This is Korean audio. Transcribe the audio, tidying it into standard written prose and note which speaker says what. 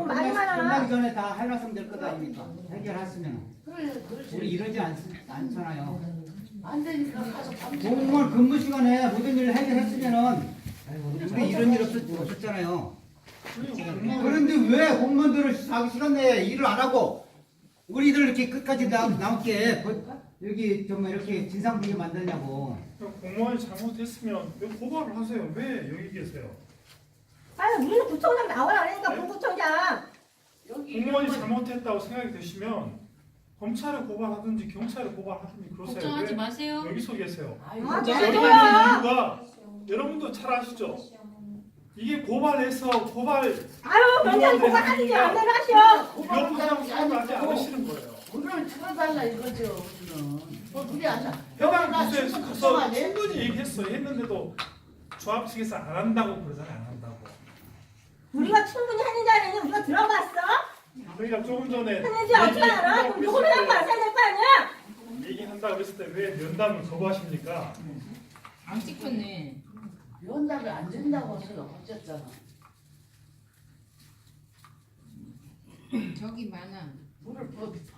Speaker 1: 말이 많아.
Speaker 2: 끝나기 전에 다 해놨으면 될 것 아닙니까? 해결했으면.
Speaker 3: 그래, 그렇지.
Speaker 2: 우리 이러지 않잖아요.
Speaker 3: 안 되니까 가서 밤새.
Speaker 2: 공무원 근무 시간에 모든 일을 해결했으면은 우리 이런 일 없었잖아요. 그런데 왜 공무원들을 자기 시간 내에 일을 안 하고 우리들 이렇게 끝까지 남게 여기 정말 이렇게 진상부게 만드냐고.
Speaker 4: 공무원이 잘못했으면 왜 고발을 하세요? 왜 여기 계세요?
Speaker 1: 아니 우리는 구청장 나오라 그러니까
Speaker 4: 네?
Speaker 1: 부구청장.
Speaker 4: 공무원이 잘못했다고 생각이 드시면 검찰에 고발하든지 경찰에 고발하든지 그러세요.
Speaker 5: 걱정하지
Speaker 4: 왜
Speaker 5: 마세요.
Speaker 4: 여기서 계세요?
Speaker 3: 아이고,
Speaker 1: 아,
Speaker 4: 여기
Speaker 1: 네.
Speaker 4: 있는 이유가 여러분도 잘 아시죠? 이게 고발해서
Speaker 1: 아유 경찰 고발하든지 안 되나 하셔.
Speaker 4: 위협하다고 생각하지 않으시는 거예요.
Speaker 3: 우리를 틀어달라 이거죠. 우리는. 우리 안 나.
Speaker 4: 해당 부서에서 가서
Speaker 3: 걱정하네.
Speaker 4: 충분히 얘기했어요. 했는데도 조합 측에서 안 한다고 그러잖아요. 안 한다고.
Speaker 1: 우리가 충분히 했는지 안 했는지 우리가 들어봤어?
Speaker 4: 그러니까 조금 전에
Speaker 1: 했는지 어떻게 알아? 그럼 누구를 한거 알아야 될 거 아니야?
Speaker 4: 얘기한다 그랬을 때 왜 면담을 거부하십니까?
Speaker 5: 안 찍혔네.
Speaker 3: 연락을 안 된다고 해서 어쨌잖아.
Speaker 5: 저기 많아.
Speaker 3: 물을